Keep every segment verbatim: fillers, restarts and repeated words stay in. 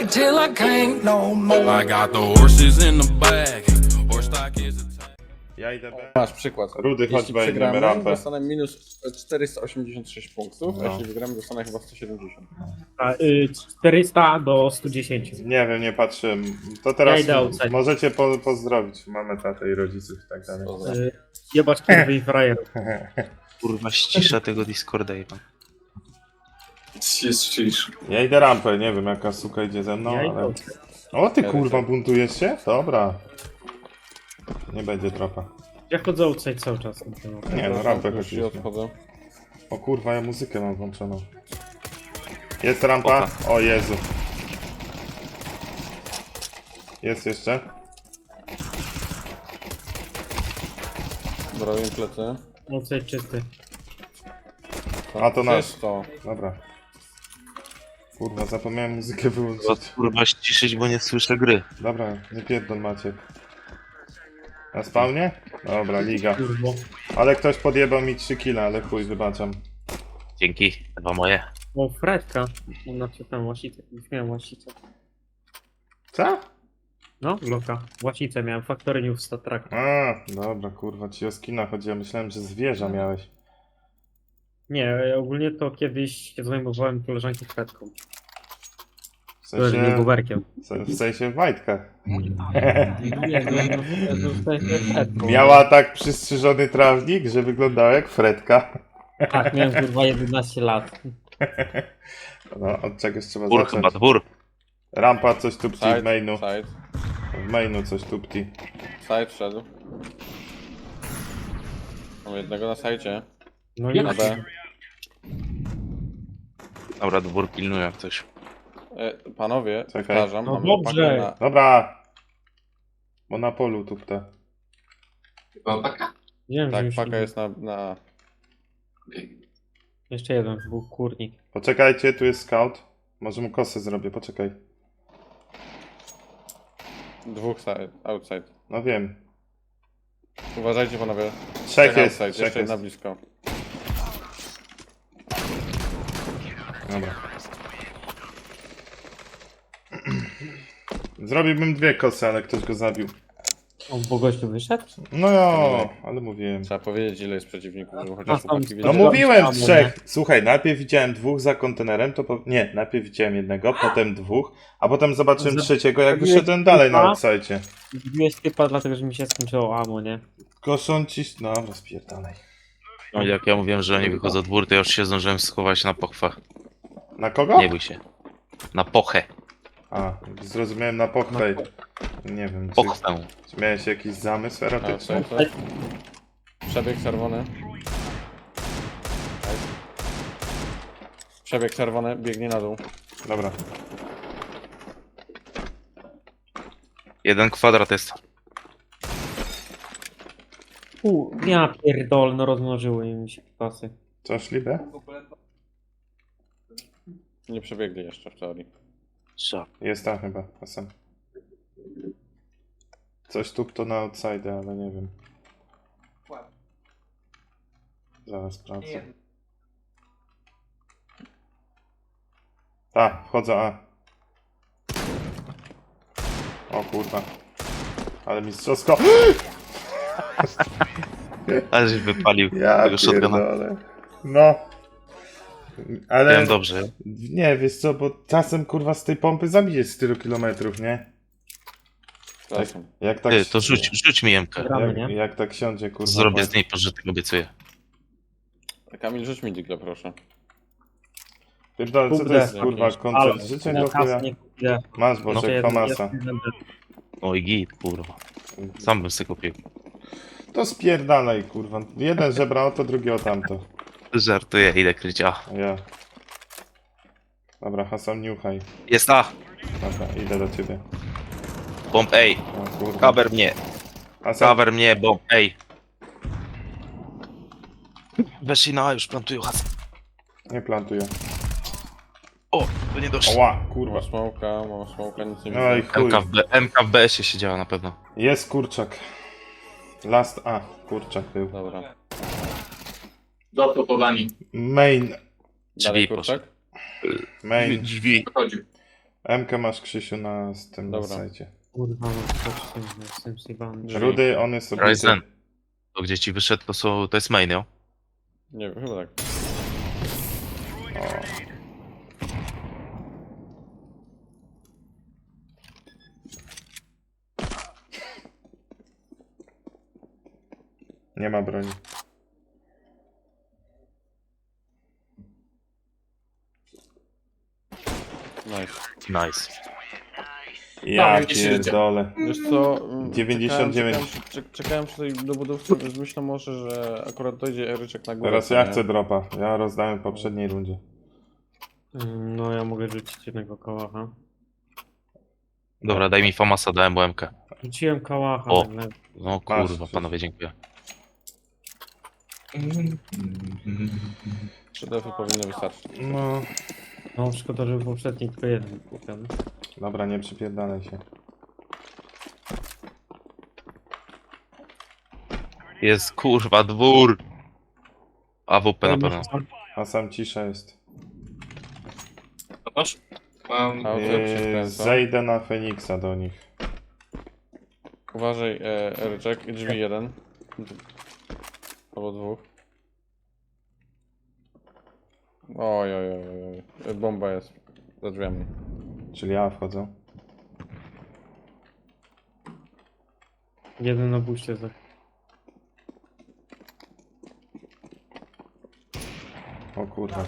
till I can't no more. I got the horses in the back. Horse stock is a Ja idę B. Masz przykład. Rudy, chodź Jeśli B, idziemy przegramy, rampę. dostanę minus czterysta osiemdziesiąt sześć punktów, a No. jeśli wygramy, dostanę chyba sto siedemdziesiąt. A, y, czterysta do stu dziesięciu. Nie wiem, nie patrzyłem. To teraz Ja idę outside. możecie po, pozdrowić mamę, tatę i rodziców i tak dalej. Y, jebać kurwy i frajerów. Kurwa, ścisza tego Discorda jeba. Jest ciszy. Ja idę rampę, nie wiem jaka suka idzie ze mną, Ja ale... idę. O ty Ja kurwa, lecę. buntujesz się? Dobra. Nie będzie tropa. Ja chodzę outside cały czas. Nie no, rampę Już się chodziliśmy. odchodzę. O kurwa, ja muzykę mam włączoną. Jest rampa? O Jezu. Jest jeszcze? Zrobię plecy. Outside czysty. A, to nasz. To. Dobra. Kurwa, zapomniałem muzykę Trzeba, wyłączyć. kurwa ściszyć, bo nie słyszę gry. Dobra, nie pierdol Maciek. Na spawnie? Dobra, liga. Kurwo. Ale ktoś podjebał mi trzy kile, ale chuj, wybaczam. Dzięki, dwa moje. O, Fredka. Znaczy tam łasicę. Już miałem łasicę. Co? No, Loka. Łasicę miałem. Factory New w Star Trek. A, dobra, kurwa, ci o skina chodziło. Myślałem, że zwierza miałeś. Nie, ogólnie to kiedyś się zajmowałem koleżanki Fredką. W To jest nie sensie, guberkiem. w sensie w majtkach. Nie, no, no, no, w sensie Fredką. Miała tak przystrzyżony trawnik, że wyglądała jak Fredka. Tak, miałem kurwa jedenaście lat. No, od czegoś trzeba Dwór zacząć. chyba, dwór. Rampa coś tupci w Side, mainu. side, W mainu coś tupti. side wszedł. Mam jednego na sajcie. No i Na B. Dobra, dwór pilnuje jak coś. E, panowie, Czekaj. powtarzam, No mamy dobrze. pakę na... Dobra. Bo na polu tupta. Chyba paka? wiem, że Tak, już paka jest na... na... Jeszcze jeden, był kurnik. Poczekajcie, tu jest scout. Może mu kosę zrobię, poczekaj. dwóch side, outside. No wiem. Uważajcie panowie. Trzech jest, outside, trzech jeszcze jest. jedna blisko. Dobra. Zrobiłbym dwie kosy, ale ktoś go zabił. O, bo gościu wyszedł? No jo, ale mówiłem. Trzeba powiedzieć ile jest przeciwników, żeby A, chociaż tam- chłopaki No wiedzieli. mu- mówiłem Tam, trzech. Słuchaj, najpierw widziałem dwóch za kontenerem, to po... nie, najpierw widziałem jednego, potem dwóch, a potem zobaczyłem Za- trzeciego, jak Zabiłeś wyszedłem dalej na typa? outside. Zbiłeś typa dlatego, że mi się skończyło ammo, nie? Koszą ci... No, rozpierdalaj. No, jak ja mówiłem, że oni wychodzą dwór, to ja już się zdążyłem schować na pochwę. Na kogo? Nie bój się. Na pochę. A, zrozumiałem na pochwej. Nie wiem, czy, Pochwę. czy miałeś jakiś zamysł erotyczny? Outside, tak? Przebieg czerwony. Przebieg czerwony, biegnie na dół. Dobra. Jeden kwadrat jest. U, ja pierdol, no rozmnożyły mi się pasy. Co, szlibę? Nie przebiegli jeszcze w teorii. Co? Jest tam chyba, czasem. Coś tu to na outside, ale nie wiem. Zaraz sprawdzę. Tak, wchodzę A. O kurwa. Ale mistrzowsko. Ale żeś wypalił Ja tego shotguna. pierdolę. No. Ale... Wiem dobrze. Nie, wiesz co, bo czasem kurwa z tej pompy zabijesz z tylu kilometrów, nie? Czasem. Jak tak... Ty, to rzuć, rzuć mi jemkę. Gramy, Jak, nie? jak tak siądzie, kurwa. Zrobię po- z niej pożytek, obiecuję. Kamil, rzuć mi digle, proszę. Pierdolę, co to Kurde, jest kurwa jakieś. koncert Ale- życzeń Ja do chuja? kasy nie kupię. Masz No. Boczek, Jeszcze Famasa. jeden- jeden- Oj git, kurwa. Sam bym sobie kupił. To spierdalaj, kurwa. Jeden żebra o to, drugi o tamto. Żartuję, idę kryć A. Ja. Dobra, Hasan, niuchaj. Jest A! Dobra, idę do ciebie. Bomb A! O kurwa. Cover mnie! Hasan, Cover mnie, bomb A! Weszli na A, już plantują hasę. nie plantuję. O, to nie doszło. Oła, kurwa. Mam smoka, mam smoka, nic nie No i widzę. chuj. M K w B, M K w B S-ie siedziała na pewno. Jest kurczak. Last A, kurczak był. Dobra. Dotopowani. Main. Dalej Drzwi kurczak? Main. Drzwi. Chodził. M K masz Krzysiu na z tym na Dobra. sajcie. Kurwa, no to z tym, z tym Sivanem. Drzwi. Rudy, on jest obity. Ryzen. To gdzie ci wyszedł, to, są, to jest main, jo? Nie wiem, chyba tak. O. Nie ma broni. Nice. Nice. Ja widzisz, widzicie. pierdolę. Wiesz co? mm, dziewięćdziesiąt dziewięć. Czekałem, czekałem, czekałem przy tej dobudówce, więc myślę może, że akurat dojdzie Eryczek na górę. Teraz co ja nie? chcę dropa. Ja rozdałem w poprzedniej rundzie. Mm, No ja mogę rzucić jednego kałacha. Dobra, daj mi Famasa, dałem M K. Rzuciłem kałacha, O. ale No Masz, kurwa, coś. panowie, dziękuję. Trzy defy powinny wystarczyć. No. no szkoda, że w poprzedniej tylko jeden kupiony. Dobra, nie przypierdalaj się. Jest kurwa dwór! A W P na pewno. A sam cisza jest. Masz? Mam... A, to jak się Yy, wkręca. zejdę na Feniksa do nich. Uważaj, e, Eryczek, drzwi jeden. Albo dwóch. Oj, oj, oj, oj, oj. Bomba jest za drzwiami. Czyli ja wchodzę. Jeden na buście za... O kurwa.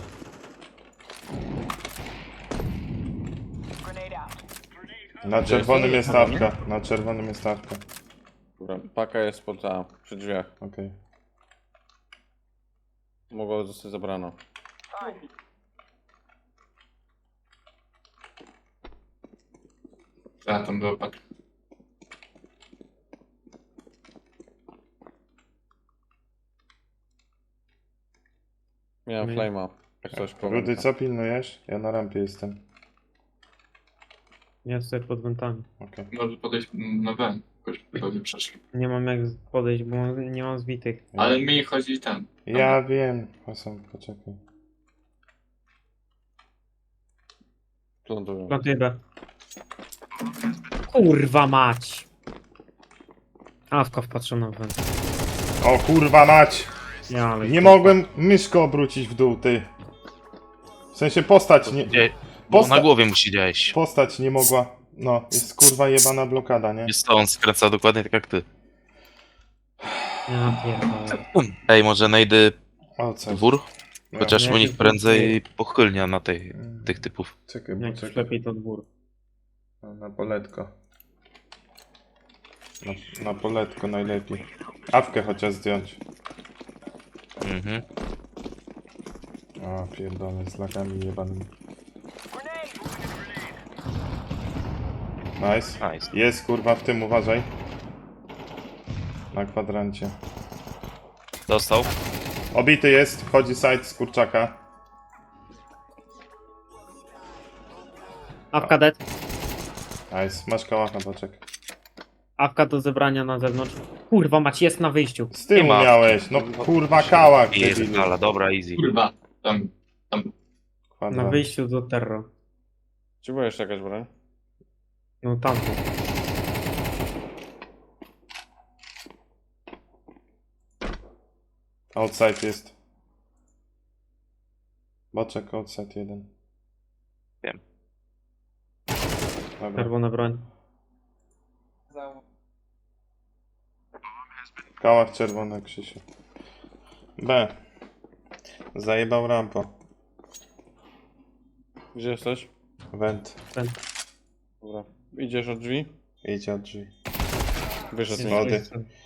Na czerwonym jest stawka. Na czerwonym jest stawka. Dobra, paka jest pod A, przy drzwiach. Okej. Mogło zostać zabrano. A, tam było pak. Miałem My- flame'a. Jak coś powiem. Rudy, co pilnujesz? Ja na rampie jestem. Ja stoję pod wentami. Okej. Może podejść na B. Jakoś pewnie przeszli. Nie mam jak podejść, bo mam- nie mam zbitych. Ale mi chodzi ten. Ja wiem. Hasam, poczekaj. Plantują. Plantuję B. Kurwa mać! Awka wpatrzona w went. O kurwa mać! Ja, ale... Nie mogłem myszkę obrócić w dół, ty. W sensie postać nie... Gdzie? Bo Posta- na głowie musi działać. Postać nie mogła... No, jest kurwa jebana blokada, nie? Jest to, on skręca dokładnie tak jak ty. Ja pierdolę. Ej, może najdę O, co? dwór? Chociaż Nie, u nich nie, prędzej pochylnia na tej, Mm. tych typów. Czekaj, bo Jak czekaj. lepiej to dwór. No, na poletko. Na, na poletko najlepiej. Awkę chociaż zdjąć. Mhm. A, pierdolę, z lakami jebanymi. Nice. Nice. Jest kurwa w tym, uważaj. Na kwadrancie. Dostał. Obity jest, wchodzi side z kurczaka. Awka dead. Nice, masz kałacha, poczek. Awka do zebrania na zewnątrz. Kurwa mać, jest na wyjściu. Z tyłu ma. miałeś, no kurwa kałak, debilu. Pierdala, dobra, easy. Kurwa. Tam. Tam. Na Kwadrant. wyjściu do terro. Czy była jeszcze jakaś broń? No tam. Outside jest. Boczek, outside jeden. Wiem. Dobra. Czerwona broń. Kałach czerwony, Krzysiu. B. Zajebał rampo. Gdzie jesteś? Went. Dobra. Idziesz od drzwi? Idzie od drzwi. Wyszedł mi. Wody.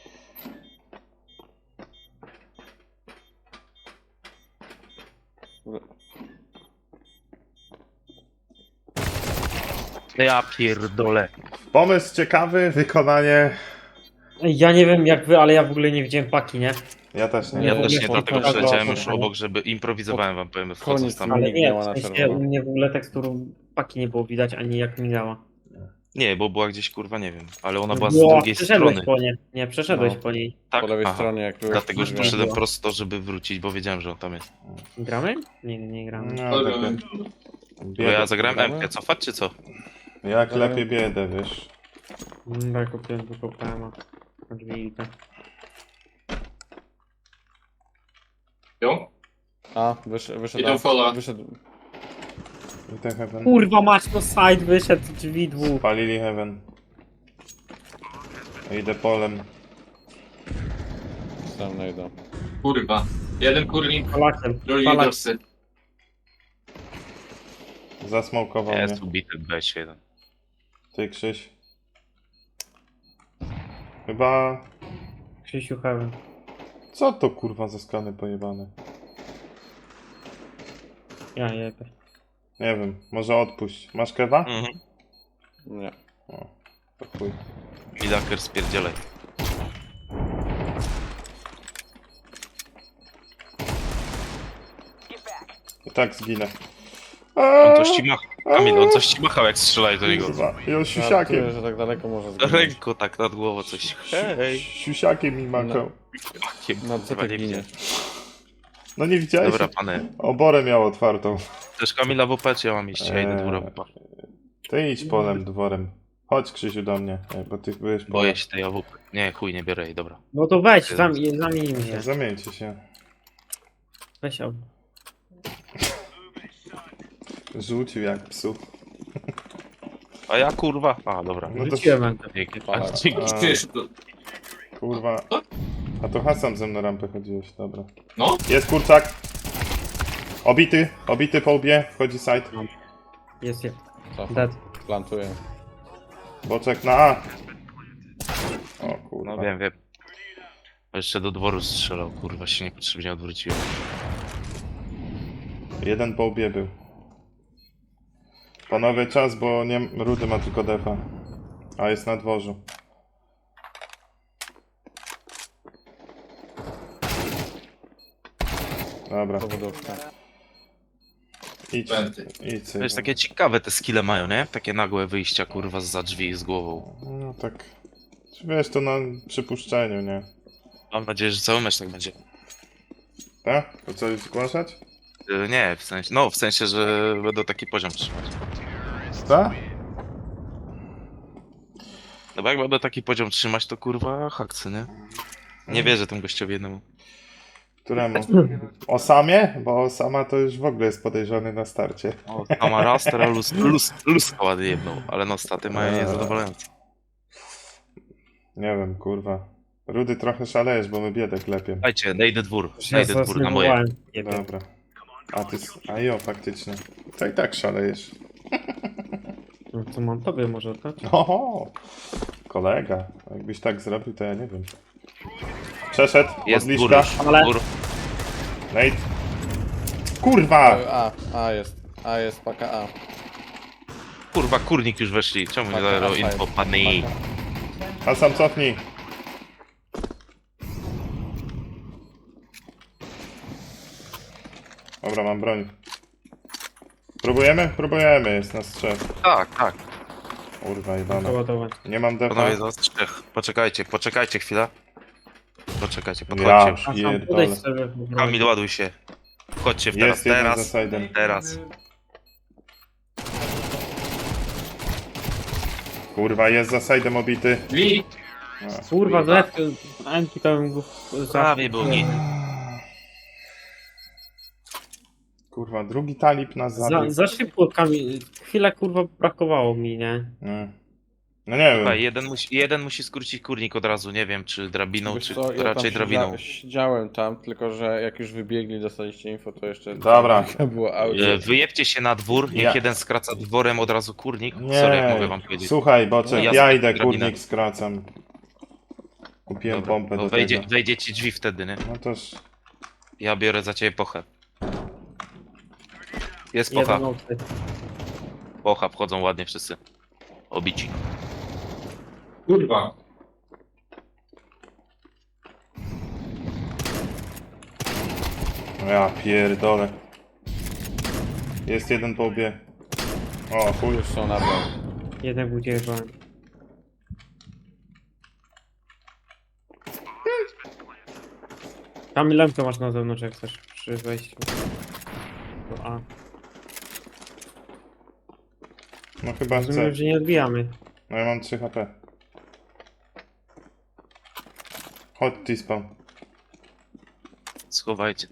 Ja pierdolę. Pomysł ciekawy, wykonanie... Ej, ja nie wiem jak wy, ale ja w ogóle nie widziałem paki, nie? Ja też nie. Nie, Ja w też ogóle nie, po- dlatego po- przeleciałem po- już po- obok, żeby improwizowałem wam, powiem, wchodząc Koniec tam. Ale nie, Mignęła w na sensie czerwono. u mnie w ogóle teksturu paki nie było widać, ani jak migała. Nie, bo była gdzieś kurwa, nie wiem, ale ona No była z było, drugiej przeszedłeś strony. po nie. Nie, przeszedłeś No. po niej. Tak? Po lewej Aha. stronie, jak byłeś Dlatego już przy poszedłem. drzwiach. poszedłem prosto, żeby wrócić, bo wiedziałem, że on tam jest. Gramy? Nie, nie gramy. No, Dobra, tak, ale- tak. Bo ja zagrałem gramy? M K, cofać czy co? Jak Dobra. lepiej biedę, wiesz. Mm, tak, kupiłem tylko P M a. Drzwi i te. Jo? A, wyszedł, wyszedł. Idą A, fola. wyszedł. I ten heaven. Kurwa mać, no side wyszedł, drzwi dwóch. Spalili heaven. Idę polem. Sam najdę. Kurwa. Jeden kurnik, Palakiem, drugi palak. dorsy. Zasmokował mnie. Jest ubity B jeden. Ty Krzyś. Chyba... Krzysiu Heaven. Co to kurwa za skany pojebane? Ja jebę. Nie wiem, może odpuść. Masz kewa? Mhm. Nie. O, to chuj. Midaker spierdzielaj. I tak zginę. On coś ci machał. Kamil, on coś ci machał jak strzelaj do niego. Kurwa, i on Żartuję, siusiakiem. że tak daleko może zginąć. Ręko tak nad głową coś. Hej. Siusiakiem mi makał. No co Chyba ty nie ginie? widziałem. No nie widziałeś? Dobra, pany. Oborę miał otwartą. Też Kamila W P, czy ja mam iść? Ja idę dwór W P. Ty idź polem, dworem. Chodź Krzysiu do mnie, Ej, bo ty byłeś polem. Boję się tej A W P. Nie, chuj, nie biorę jej, dobra. No to weź, zam- zamienimy się. Zamieńcie się. Weź o. Rzucił jak psu. A ja kurwa. A, dobra. No to Rzuciłem rękę. Dzięki. Aha. A, dzięki. A. Ty jeszcze to... kurwa. A to Hasan ze mną rampę chodziłeś, dobra. No? Jest kurczak. Obity, obity po łbie, wchodzi side. Jest, jest. Co? Dead. Plantuję. Boczek na A. O kurwa. No wiem, wiem. Jeszcze do dworu strzelał, kurwa, się niepotrzebnie odwróciłem. Jeden po łbie był. Panowie czas, bo nie... Rudy ma tylko defa. A jest na dworzu. Dobra, Powodówka. idź, Pęty. idź To sobie. jest takie ciekawe te skille mają, nie? Takie nagłe wyjścia, kurwa, za drzwi z głową. No tak, wiesz, to na przypuszczeniu, nie? Mam nadzieję, że cały mecz tak będzie. Tak? To coś zgłaszać? Y, Nie, w sensie, no w sensie, że będą taki poziom trzymać. Tak? No bo jak będą taki poziom trzymać, to kurwa hakcy, nie? Nie wierzę tym gościowi jednemu. Któremu? Osamie? Bo Osama to już w ogóle jest podejrzany na starcie. O, sama raz, teraz lus, lus, luska ładnie jedną, ale no staty mają Eee. niezadowalające. Nie wiem, kurwa. Rudy trochę szalejesz, bo my biedę klepiemy. Słuchajcie, najdę dwór, Ja najdę dwór na moje. zasnowałem. Jebie. Dobra. A ty... s- A jo, faktycznie. To i tak szalejesz. No to mam tobie może oddać? Oho! Kolega. Jakbyś tak zrobił, to ja nie wiem. Przeszedł, Jest dwór odliczka. już, Ale- dwór. Nate. Kurwa! A, A jest. A jest, paka A. Kurwa, kurnik już weszli, czemu nie Paka zagrał A, info, paka. pany? A sam cofnij. Dobra, mam broń. Próbujemy? Próbujemy, jest nas trzech. Tak, tak. Kurwa, jebana. Przeładować. Nie mam defa. Panowie, za trzech. Poczekajcie, poczekajcie chwilę. Poczekajcie, Ja podchodźcie już. A sam pierdolę. podejdź sobie. Kamil, ładuj się. Wchodźcie w teraz, Jest jeden za teraz, side'em. teraz. Kurwa, jest za side'em obity. Drzwi! Kurwa, zlet, Anki to bym go... Prawie był nie. Kurwa, drugi talib nas Za, zabił. za szybko, Kamil. Chwilę kurwa brakowało mi, nie? Nie. No nie Słuchaj, wiem. jeden musi, jeden musi skrócić kurnik od razu, nie wiem, czy drabiną, Wiesz czy co, ja raczej tam drabiną. siedzia- Siedziałem tam, tylko że jak już wybiegli, dostaliście info, to jeszcze... Dobra. Było audio. E, Wyjebcie się na dwór, niech Ja. jeden skraca dworem od razu kurnik. Sorry, jak mogę wam Nie. powiedzieć. Słuchaj, Boczek, Ja ja sobie idę, drabinę. kurnik skracam. Kupiłem Dobra, pompę no do wejdzie, tego. wejdzie ci drzwi wtedy, nie? No toż... Ja biorę za ciebie pochę. Jest pocha, Jeden outside. pocha, wchodzą ładnie wszyscy. Obici. Kurwa. No ja pierdolę. Jest jeden po łbie. O, chuj. Już są na dole. Jeden był dziewięć. Kamil, lemkę masz na zewnątrz, jak chcesz przy wejściu. Do A. No chyba chcę. Rozumiem, że nie odbijamy. No ja mam trzy H P. Chodź, T-spawn. Schowajcie.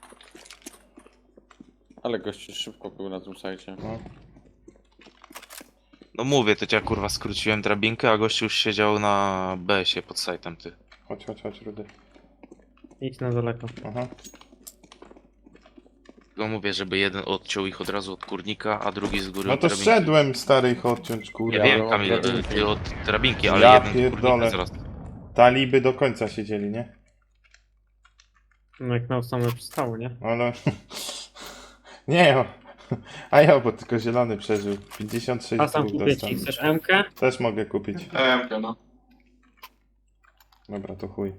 Ale gościu szybko był na tym sajcie. No. No mówię, to cię kurwa skróciłem drabinkę, a gościu już siedział na B sie pod sajtem, ty. Chodź, chodź, chodź, Rudy. Idź na daleko. Aha. Tylko mówię, żeby jeden odciął ich od razu od kurnika, a drugi z góry No od to drabinki. szedłem stary ich odciąć, Ja kurwa. wiem, od Kamil, drabinki. ty od drabinki, ale Ja jeden pierdolę. kurnika zaraz. Taliby do końca siedzieli, nie? No jak na same przystało, nie? Ale... nie, o. A ja, bo tylko zielony przeżył. pięćdziesiąt sześć A sam dwóch kupię dostał. ci. Chcesz M-kę? Też mogę kupić. E M K, no. Dobra, to chuj.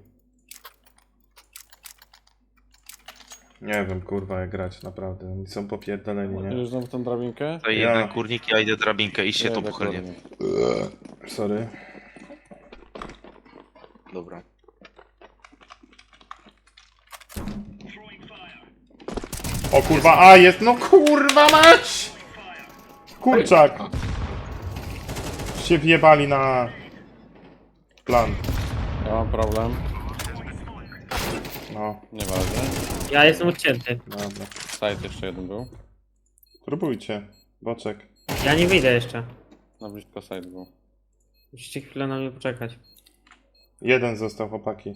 Nie wiem, kurwa, jak grać, naprawdę. Oni są popierdoleni, nie? Już znowu tą drabinkę? To Ja. jeden kurnik, ja idę drabinkę i się Nie, to dokładnie. pochylnie. Eee, Sorry. Dobra. O kurwa, a jest, no kurwa mać! Kurczak! Się wjebali na... plan. Ja mam problem. No, Nieważne. Ja jestem odcięty. dobra. Site jeszcze jeden był. Próbujcie. Boczek. Ja nie wyjdę jeszcze. Na blisko site był. Musicie chwilę na mnie poczekać. Jeden został, chłopaki.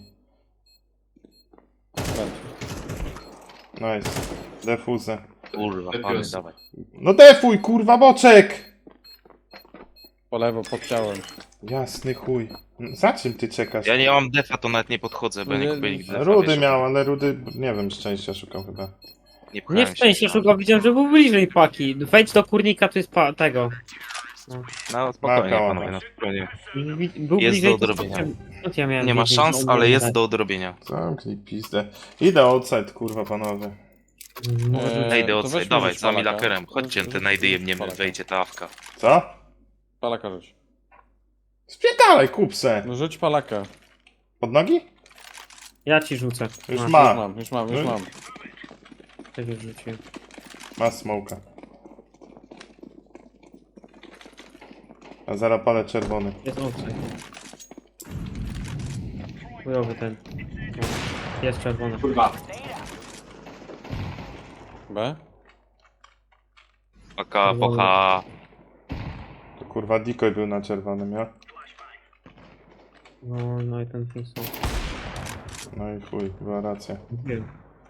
Będzie. Nice. Defuzę. Kurwa, Ty pany, pies. dawaj. No defuj, kurwa, boczek! Po lewo, pod ciałem. Jasny chuj. Za czym ty czekasz? Ja nie mam defa, to nawet nie podchodzę, bo ja nie Nie, kupię nigdy defa. Rudy wiesz, miał, ale Rudy, nie wiem, szczęścia szukał chyba. Nie, pchałem Nie w szczęście się. szukał, widziałem, że był bliżej paki. Wejdź do kurnika, to jest pa tego. No spokojnie, Maka, panowie, łapa. no spokojnie. Wi- Był Jest bliżej, do to odrobienia. skąd ja miałem Nie ma wiedzieć, szans, że on ale nie jest da? do odrobienia. Zamknij pizdę. Idę outside, kurwa, panowie. Może- Eee, Najdę to od weźmy dawaj, rzuć za palaka. milakerem. Chodźcie, Rzuć- te najdy rzuć jemniemy, palaka. wejdzie ta awka. Co? Palaka rzuć. Spierdalaj, kupse. No rzuć palaka. Pod nogi? Ja ci rzucę. Już Masz, ma. Już mam, już mam, już No. mam. tak już rzuciłem. Ma smoka. A zaraz palę czerwony. Jest obcy. Chujowy ten. Jest czerwony. Kurwa. B? Paka, pocha. To kurwa decoy był na czerwonym, ja? No, no i ten Kingston. No i chuj, była racja. Wiem.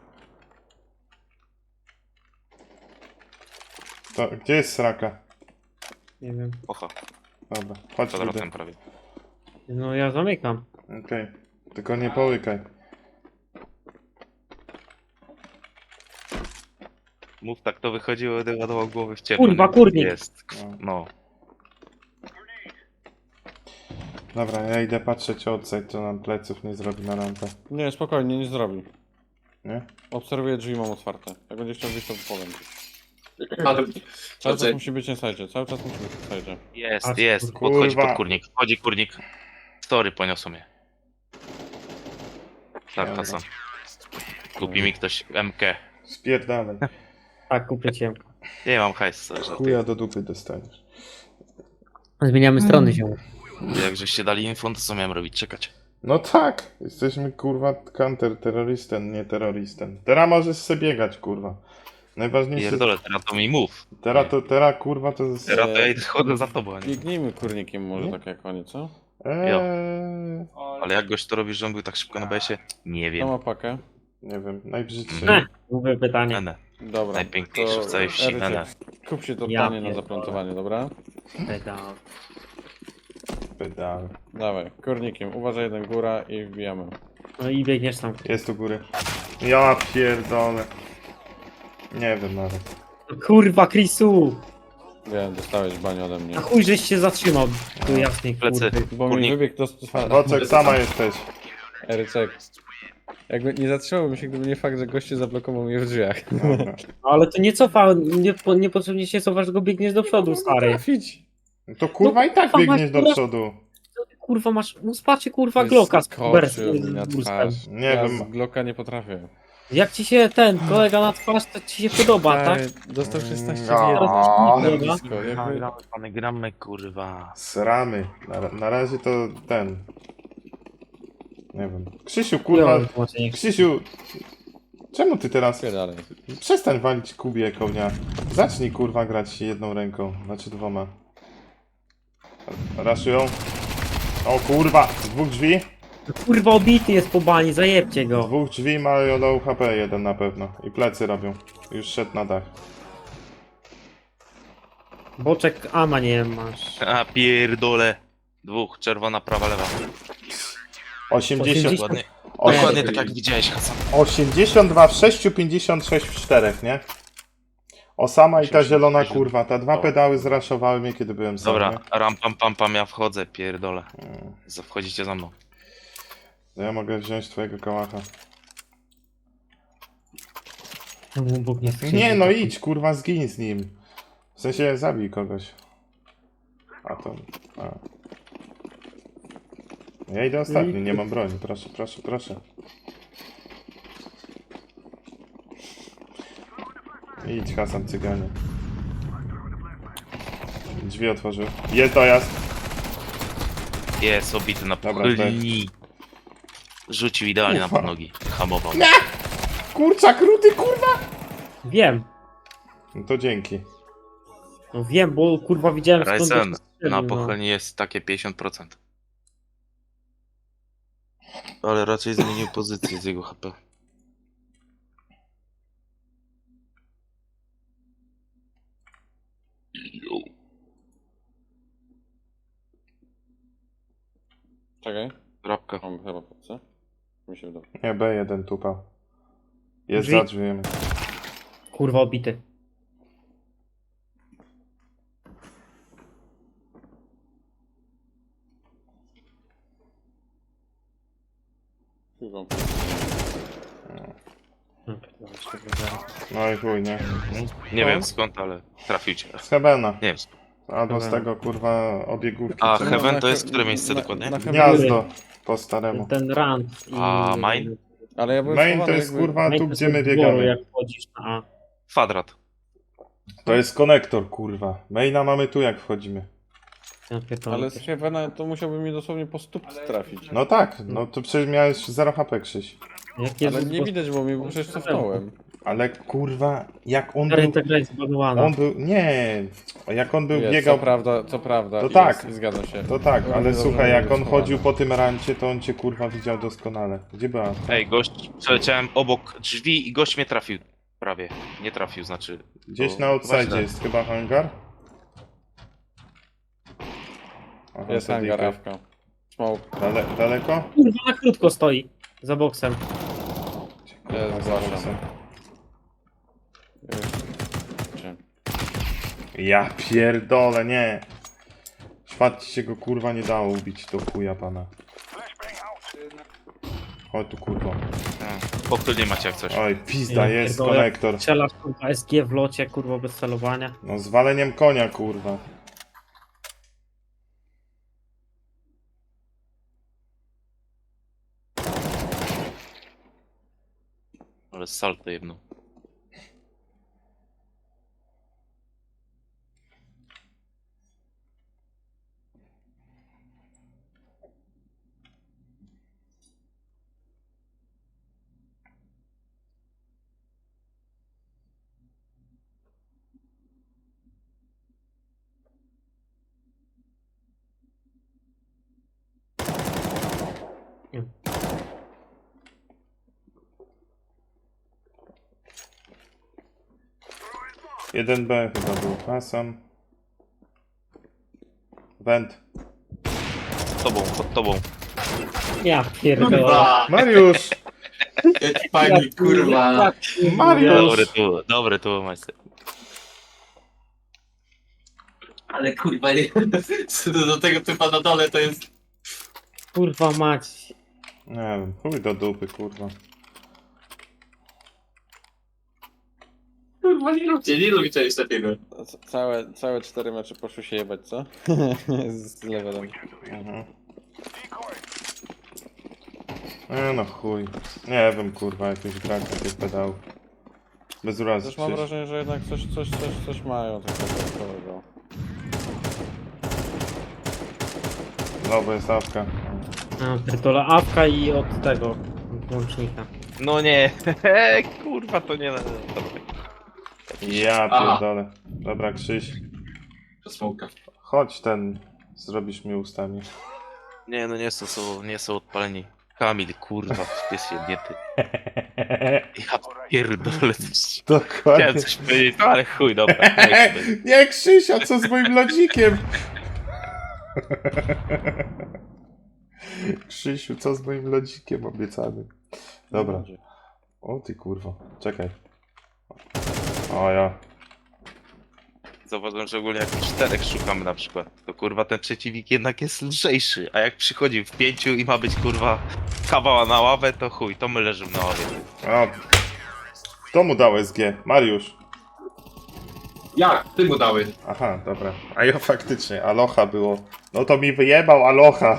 To, gdzie jest sraka? Nie wiem. Pocha, Dobra, chodź Rudy. kwadratem prawie. No ja zamykam. Okej. Tylko nie połykaj. Mów tak, to wychodziło, będę ładował głowy w ciepło. Kurwa, nie? kurnik. Jest, no. Dobra, ja idę patrzeć outside, to nam pleców nie zrobi na rampę. Nie, spokojnie, nie zrobi. Nie? Obserwuję drzwi, mam otwarte. Jak będzie chciał wyjść, to powiem. Ale... Cały czas Chodź. musi być na sajcie, cały czas musi być na sajcie. Jest, Patrz, jest, kurwa. podchodzi pod kurnik, wchodzi kurnik. Story poniosą mnie. Tak, Dobra. Hasan. Kupi mi ktoś M K. Spierdalaj. Tak, kupię cię. Nie mam hajsu, że Chuja do dupy dostaniesz. Zmieniamy strony się. jak żeście dali info, to co miałem robić? Czekać. No tak, jesteśmy kurwa counter-terrorystem, nie terrorystem. Teraz możesz sobie biegać, kurwa. Najważniejsze... Pierdolę, teraz to mi mów. Teraz to, teraz kurwa to jest... Teraz to ja idę- chodzę za tobą, a nie. Biegnijmy kurnikiem może Nie? tak jak oni, co? Eee, Ale jak gość to robi, że on był tak szybko na B S ie? Nie Kto wiem. ma pakę? nie wiem, najbrzydszy. Mhm. Głupie pytanie. Nene. Dobra. Najpiękniejszy to w całej wsi, Erycie, Nene. Kup się to Ja tanie na pierdolę. zaplantowanie, dobra? Pedał. Pedał. Dawaj, kurnikiem. Uważaj, jeden góra i wbijamy. No i biegniesz tam. Jest u góry. Ja pierdolę. Nie wiem nawet. Kurwa, Chrisu! Wiem, dostałeś banie ode mnie. A chuj, żeś się zatrzymał. Tu jasnej Plecy. kurwy. Bo mi Kurnik. wybiegł do stosowany. Wocek, sama jesteś. Erycek. Jakby nie zatrzymałbym się, gdyby nie fakt, że goście zablokował mnie w drzwiach. Dobra. Ale to nie cofa, nie, po- niepotrzebnie się cofasz, tylko biegniesz do przodu, stary. Trafić. No to kurwa i tak kurwa, biegniesz do masz- przodu. Co ty, kurwa masz, no spacie kurwa Glocka z Wyskoczył z mi na burstem. twarz. Nie ja wiem. z Glocka nie potrafię. Jak ci się ten kolega na twarz, to ci się podoba, tak? Stary, dostał szesnaście w No. jeden. O, Na dobra. blisko, jakby... Gramy, pany, gramy, kurwa. Sramy. Na, na razie to ten. Nie wiem. Krzysiu, kurwa. Chujowe tłumaczenie. Krzysiu. Czemu ty teraz... Dalej. Przestań walić kubie kołnia. Zacznij kurwa grać jedną ręką, znaczy dwoma. Raszują. O kurwa, z dwóch drzwi. Kurwa obity jest po bani, zajebcie Z go. dwóch drzwi mają low H P jeden na pewno. I plecy robią. Już szedł na dach. Boczek ama nie masz. A pierdole. Dwóch, czerwona, prawa, lewa. osiemdziesiąt. osiemdziesiąt. Dokładnie, Osiem- dokładnie tak jak widziałeś, Hasan. osiemdziesiąt dwa w sześciu, pięćdziesiąt sześć w czterech, nie? Osama i ta zielona kurwa. Te dwa pedały zraszowały mnie kiedy byłem sam. Dobra, nie? ram pam pam pam, ja wchodzę, pierdolę. Mm. Z- Wchodzicie za mną. Ja mogę wziąć twojego kałacha. Bóg nie chce. Nie no idź kurwa, zgiń z nim. W sensie zabij kogoś. A to... A. Ja idę ostatni, nie mam broni. Proszę, proszę, proszę. Idź Hasan, cyganie. Drzwi otworzył. Jest dojazd. Jest obity na Dobra, pochylni. Rzucił idealnie na Ufa. podnogi. Hamował. Kurczak, rudy, kurwa! Wiem. No to dzięki. No wiem, bo kurwa widziałem skąd Ryzen, to strzelił, na no. pochylni jest takie pięćdziesiąt procent. Ale raczej zmienił pozycję z jego H P. Czekaj. Rapka. Mam chyba po co? Mi się wydaje. Nie, B jeden tupał. Jest Drzwi. za drzwiami. Kurwa obity. Chyba. No, pierdolę, jeszcze go zaraz. No i chuj, nie? Nie wiem skąd, ale trafił cię. Z Hebena. Nie wiem skąd. Albo z Dobra. tego kurwa obiegówki. A czy- Heaven na to he- jest które miejsce na- dokładnie? na Heaven- Gniazdo. Po staremu. Ten rant i... A main? Ale ja byłem Main to schowany jest jakby- kurwa Main tu to gdzie jest my od dworu, biegamy. jak wchodzisz na A. Kwadrat. To jest konektor kurwa. Maina mamy tu jak wchodzimy. Ja pierdolę. Ale z Heavena to musiałby mi dosłownie po stóp trafić. No tak, no to przecież miałeś zero H P Krzyś. Jak Jezus, Ale nie bo- widać, bo mi bo przecież cofnąłem. Ale kurwa, jak on Stary, był... ta gra jest zbagowana. On był... Nie. Jak on był Jest, biegał... co prawda, co prawda. To jest, tak. Zgadzam się. To tak, ale Dobrze, słuchaj, jak on dobrze, chodził po tym rancie, to on cię kurwa widział doskonale. Gdzie była? Ej, gość, przeleciałem obok drzwi i gość mnie trafił. Prawie. Nie trafił, znaczy... Gdzieś to na chyba outside źle. jest chyba hangar? Aha, Jest to hangar, dika. awka. Smoke. Dale, daleko? Kurwa, na krótko stoi. Za boksem. Ja zgłaszam. Czy- Ja pierdolę, nie. Szwad ci się go kurwa nie dało ubić, to chuja pana. Chodź tu kurwa. Pochylnie macie jak coś. Oj, pizda, Ja jest pierdolę. konektor. Strzelasz kurwa S G w locie, kurwa bez celowania. No z waleniem konia kurwa. Ale salto jedno. jeden B chyba był pasem. Wend. Pod tobą, pod tobą. Ja pierdolę. Kurwa! Mariusz! Jaki pani, kurwa! Mariusz! Dobry tu, dobry tu, majster. Ale kurwa, nie. Co do do tego typa na dole to jest... Kurwa mać. Nie wiem, chuj do dupy kurwa. Kurwa, nie róbcie, nie róbcie czegoś takiego. C- Całe, całe cztery mecze poszły się jebać, co? Z levelem. Mhm. E, no chuj. Nie wiem, kurwa, jakiś brak takich pedałów. Bez urazy. Też mam przecież. wrażenie, że jednak coś, coś, coś, coś mają takiego dodatkowego. No, bo jest awka. A, pierdolę, awka i od tego łącznika. No nie, kurwa to nie... Dobra. Ja Aha. pierdolę. Dobra, Krzyś. Smoka. Chodź ten. Zrobisz mi ustami. Nie no nie są, są, nie są odpaleni. Kamil, kurwa, pies jebnięty. Ja pierdolę, coś- Dokładnie. chciałem coś powiedzieć, no ale chuj, dobra. niech będzie. Nie, Krzysia, co z moim lodzikiem? Krzysiu, co z moim lodzikiem obiecanym? Dobra. O ty kurwa. Czekaj. O ja. Zauważyłem, że ogólnie jak czterech szukamy na przykład, to kurwa ten przeciwnik jednak jest lżejszy, a jak przychodzi w pięciu i ma być kurwa kawała na ławę, to chuj, to my leżymy na ławie. O. Kto mu dał S G? Mariusz. Jak? Ty mu dałeś. Aha, dobra. A ja faktycznie, aloha było. No to mi wyjebał aloha.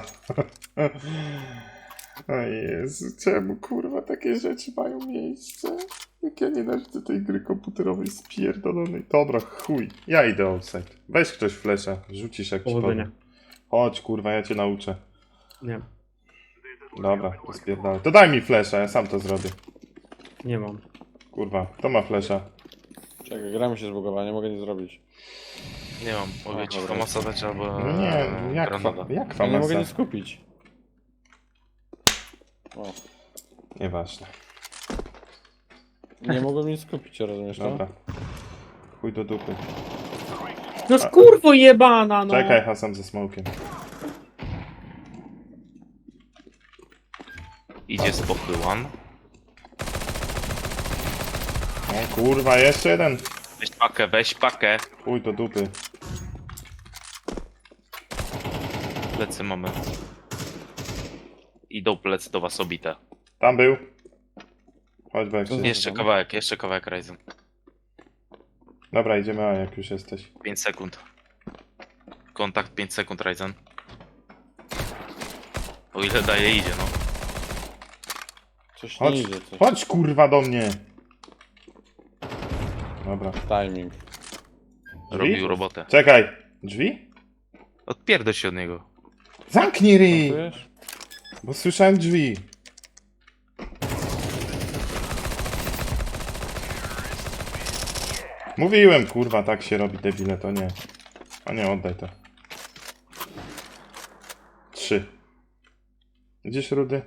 O Jezu, czemu kurwa takie rzeczy mają miejsce? Jak ja nienawidzę tej gry komputerowej spierdolonej. Dobra, chuj. Ja idę outside. Weź ktoś flesza, rzucisz jak ci Powodzenia. powiem. Chodź kurwa, ja cię nauczę. Nie, Dobra, to spierdolę. To daj mi flesza, ja sam to zrobię. nie mam. Kurwa, kto ma flesza? Czekaj, gra mi się zbugowała, nie mogę nic zrobić. Nie mam, mogę ci dobra. famasa dać albo No nie, jak, granada. fa- jak Ja nie mogę famasa? nic kupić. O, Nieważne. nie mogłem nic kupić, rozumiesz to? Dobra. Chuj do dupy. No skurwo jebana, no! Czekaj, Hasan ze smokiem. Idzie z pochyłan. O kurwa, jeszcze jeden. Weź pakę, weź pakę. Chuj do dupy. Plecy mamy. Idą plecy do was obite. Tam był. Chodź, Bex. Jeszcze kawałek, jeszcze kawałek Ryzen. Dobra, idziemy, a jak już jesteś. pięć sekund. Kontakt pięć sekund Ryzen. O ile daje idzie, no. Coś Chodź, nie idzie, coś. chodź kurwa do mnie. Dobra. Timing. Robił robotę. Czekaj. Drzwi? Odpierdol się od niego. Zamknij ryj! Czujesz? Bo słyszałem drzwi. Mówiłem, kurwa, tak się robi, debile, to nie. A nie, oddaj to. Trzy. Gdzieś Rudy?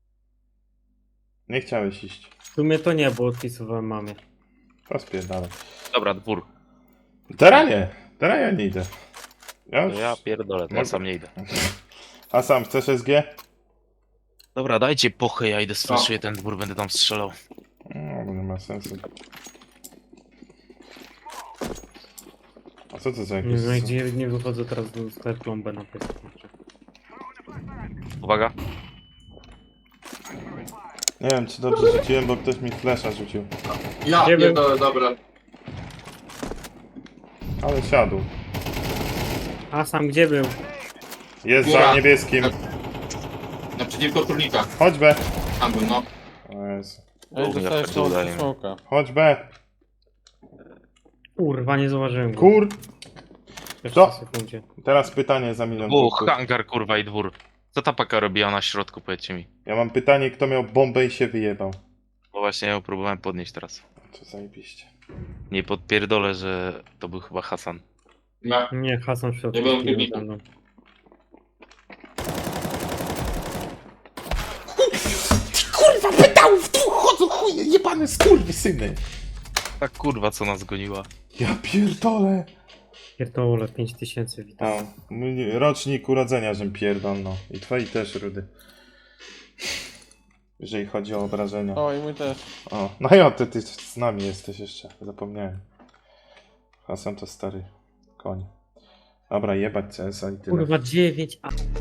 Nie chciałeś iść. W sumie to nie, bo odpisywałem mamie. Rozpierdalaj. Dobra, dwór. Teraz nie. Teraz ja nie idę. Ja To już... ja pierdolę, to ja sam nie idę. A sam chcesz S G? Dobra, dajcie pochę, ja idę straszuję ten dwór, będę tam strzelał. No, bo nie ma sensu. A co to za Nie jakieś... wiem, gdzie nie wychodzę teraz do tej plombę na pysk. Uwaga. Nie wiem, czy dobrze rzuciłem, bo ktoś mi flesza rzucił. Ja Nie wiem. pierdolę, dobra. Ale siadł. A sam gdzie był? Jest Góra. za niebieskim. Naprzeciwko turnika. Chodź B. Tam był, no. O Jezu. Ej, dostajesz Ja smoka. pierdolę. smoka. Chodź B. Kurwa, nie zauważyłem go. Kur... W pierwszej Co? sekundzie. Teraz pytanie za milion Uch, punktów. hangar kurwa i dwór. Co ta paka robiła na środku, powiedzcie mi. Ja mam pytanie, kto miał bombę i się wyjebał. Bo właśnie ja ją próbowałem podnieść teraz. To zajebiście. Nie podpierdolę, że to był chyba Hasan. Ja. Nie, Hasan w środku. Nie byłem nie filmiku. ze mną. Kurwa, pedałów tu chodzą, chuje, jebane skurwysyny. Ta kurwa co nas goniła. Ja pierdolę. Pierdolę, pięć tysięcy witam. A, mój rocznik urodzenia, żem pierdolno. I twoi też, Rudy. Jeżeli chodzi o obrażenia. O, i mój też. O, no i o, ty, ty z nami jesteś jeszcze, zapomniałem. Hasan to stary koń. Dobra, jebać C S a i tyle. Kurwa, dziewięć, a...